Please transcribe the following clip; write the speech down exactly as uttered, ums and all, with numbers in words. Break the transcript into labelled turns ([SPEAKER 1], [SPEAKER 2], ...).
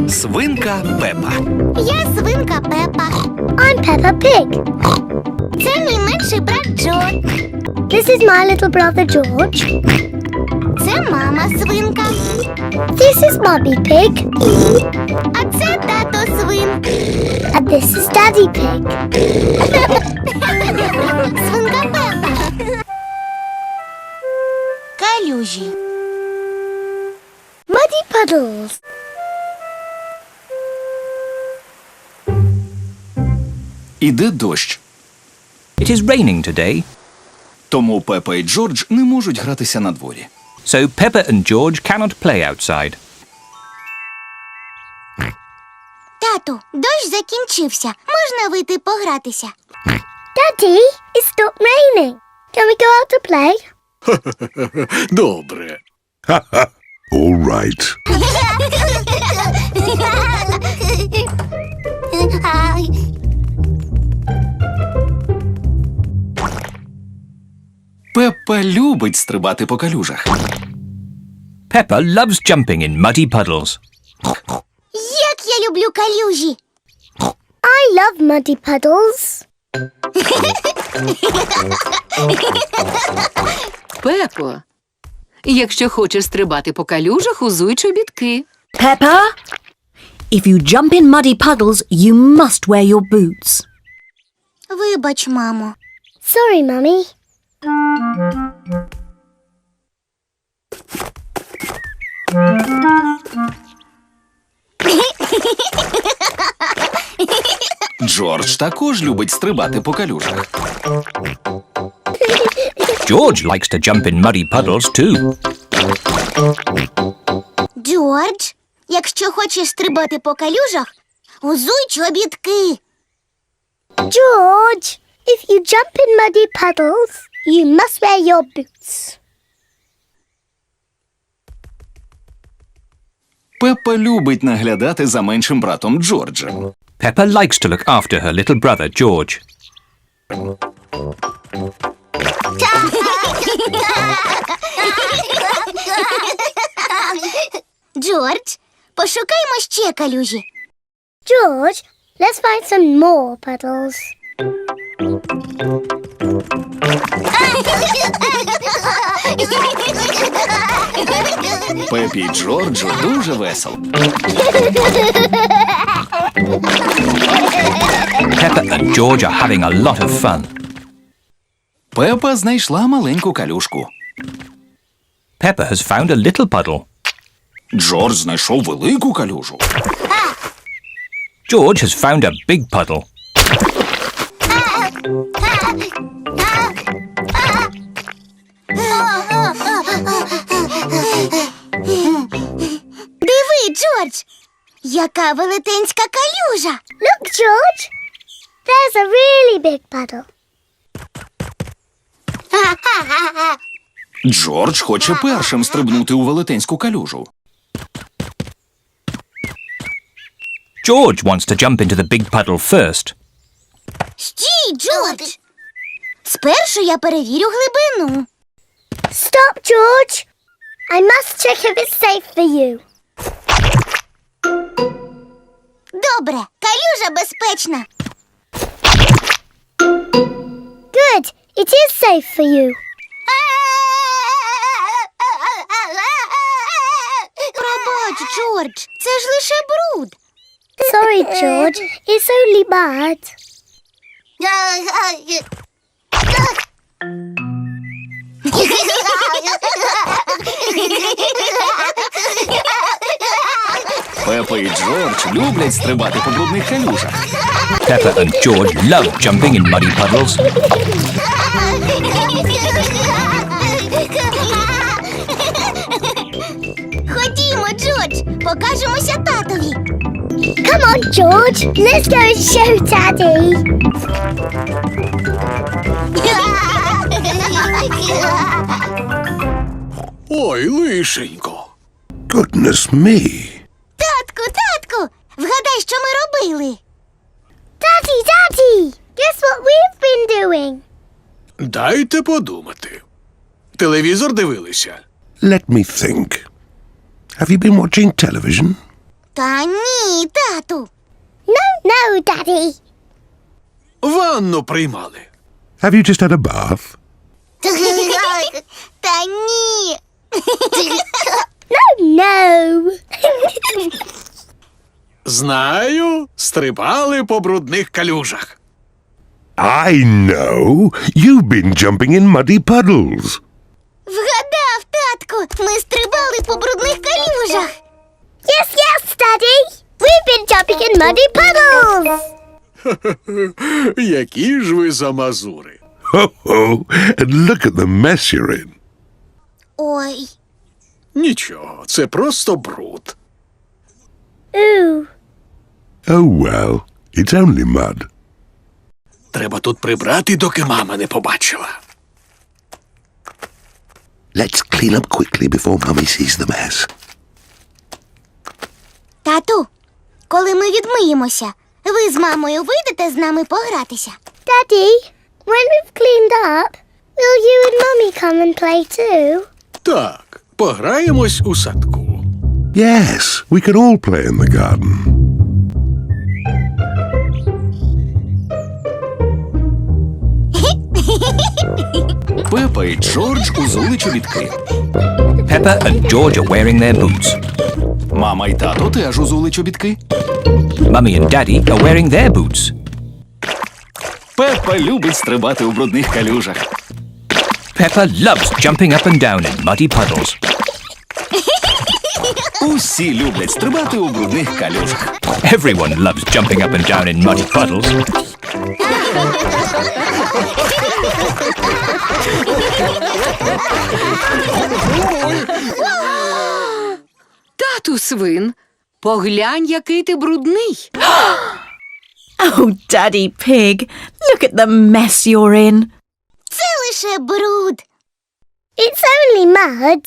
[SPEAKER 1] Свинка Пепа.
[SPEAKER 2] Я свинка Пепа.
[SPEAKER 3] I'm Peppa Pig.
[SPEAKER 2] Це мій менший брат Джо.
[SPEAKER 3] This is my little brother George.
[SPEAKER 2] Це мама свинка.
[SPEAKER 3] This is Mummy Pig.
[SPEAKER 2] А це тато свин.
[SPEAKER 3] And this is Daddy Pig.
[SPEAKER 2] Свинка Пепа. Калюжі.
[SPEAKER 3] Muddy puddles.
[SPEAKER 1] Іде дощ.
[SPEAKER 4] It is raining today,
[SPEAKER 1] Тому Пепа і Джордж не можуть гратися на дворі.
[SPEAKER 4] so Peppa and George cannot play outside.
[SPEAKER 2] Тату, дощ закінчився. Можна вийти погратися?
[SPEAKER 3] Daddy, it stopped raining. Can we go out to play?
[SPEAKER 5] Добре.
[SPEAKER 6] All right.
[SPEAKER 1] Пепа любить стрибати по калюжах.
[SPEAKER 4] Peppa loves jumping in muddy puddles.
[SPEAKER 2] Як я люблю калюжі!
[SPEAKER 3] I love muddy puddles.
[SPEAKER 7] Пепо, якщо хочеш стрибати по калюжах, узуй чобітки.
[SPEAKER 8] Peppa, if you jump in muddy puddles, you must wear your boots.
[SPEAKER 2] Вибач, мамо.
[SPEAKER 3] Sorry, Mummy.
[SPEAKER 1] Джордж також любить стрибати по калюжах.
[SPEAKER 4] George likes to jump in muddy puddles too.
[SPEAKER 2] Джордж, якщо хочеш стрибати по калюжах, узуй чобітки.
[SPEAKER 3] George, if you jump in muddy puddles, you must wear your boots.
[SPEAKER 1] Пепа любить наглядати за меншим братом Джорджем.
[SPEAKER 4] Peppa likes to look after her little brother George.
[SPEAKER 2] Джордж, пошукаймо ще калюжі.
[SPEAKER 3] George, let's find some more puddles.
[SPEAKER 1] Пепі і Джорджу дуже весело.
[SPEAKER 4] Peppa and George are having a lot of fun.
[SPEAKER 1] Пепа знайшла маленьку калюжку.
[SPEAKER 4] Peppa has found a little puddle.
[SPEAKER 1] Джордж знайшов велику калюжу.
[SPEAKER 4] George has found a big puddle.
[SPEAKER 2] Диви, Джордж, яка велетенська калюжа.
[SPEAKER 3] Look, George. There's a really big puddle.
[SPEAKER 1] Джордж хоче першим стрибнути у велетенську калюжу.
[SPEAKER 4] George wants to jump into the big puddle first.
[SPEAKER 2] Стій, Джордж. Спершу я перевірю глибину.
[SPEAKER 3] Stop, George. I must check if it's safe for you.
[SPEAKER 2] Добре, калюжа безпечна.
[SPEAKER 3] Good. It is safe for you.
[SPEAKER 2] Пробач, Джордж, це ж лише бруд.
[SPEAKER 3] Sorry, George. It's only bad.
[SPEAKER 1] Пепа і Джордж люблять стрибати по брудних калюжах.
[SPEAKER 4] Peppa and George love jumping in muddy puddles.
[SPEAKER 2] Ходімо, Джордж, покажемося татові.
[SPEAKER 3] Come on, George. Let's go and show Daddy.
[SPEAKER 5] Ой, лишенько.
[SPEAKER 6] Goodness me.
[SPEAKER 2] Татку, татку, вгадай, що ми робили.
[SPEAKER 3] Daddy, Daddy. Guess what we've been doing?
[SPEAKER 5] Дайте подумати. Телевізор дивилися?
[SPEAKER 6] Let me think. Have you been watching television?
[SPEAKER 2] Та ні, тату.
[SPEAKER 3] No, no, Daddy.
[SPEAKER 5] Ванну приймали.
[SPEAKER 6] Have you just had a bath?
[SPEAKER 2] Та ні.
[SPEAKER 3] No, no.
[SPEAKER 5] Знаю, стрибали по брудних калюжах.
[SPEAKER 6] I know. You've been jumping in muddy puddles.
[SPEAKER 2] Вгадав, татку. Ми стрибали по брудних калюжах.
[SPEAKER 3] Yes, yes, Daddy. We've been jumping in muddy puddles.
[SPEAKER 5] Які ж ви замазури.
[SPEAKER 6] Ho-ho. And look at the mess you're in.
[SPEAKER 2] Ой.
[SPEAKER 5] Нічого, це просто бруд.
[SPEAKER 3] Ooh.
[SPEAKER 6] Oh well. It's only mud.
[SPEAKER 5] Треба тут прибрати, доки мама не побачила.
[SPEAKER 6] Let's clean up quickly before Mummy sees the mess.
[SPEAKER 2] Тату, коли ми відмиємося, ви з мамою вийдете з нами погратися.
[SPEAKER 3] Daddy, when we've cleaned up, will you and Mummy come and play too?
[SPEAKER 5] Так, пограємось у садку.
[SPEAKER 6] Yes, we can all play in the garden.
[SPEAKER 1] Пепа і Джордж узули чобітки.
[SPEAKER 4] Peppa and George are wearing their boots.
[SPEAKER 1] Мама і тато теж узули чобітки.
[SPEAKER 4] Mummy and Daddy are wearing their boots.
[SPEAKER 1] Пепа любить стрибати у брудних калюжах.
[SPEAKER 4] Peppa loves jumping up and down in muddy puddles.
[SPEAKER 1] Усі люблять стрибати у брудних калюжах.
[SPEAKER 4] Everyone loves jumping up and down in muddy puddles.
[SPEAKER 7] Тату свин, поглянь, який ти брудний.
[SPEAKER 8] Oh, Daddy Pig, look at the mess you're in.
[SPEAKER 2] Це лише бруд.
[SPEAKER 3] It's only mud.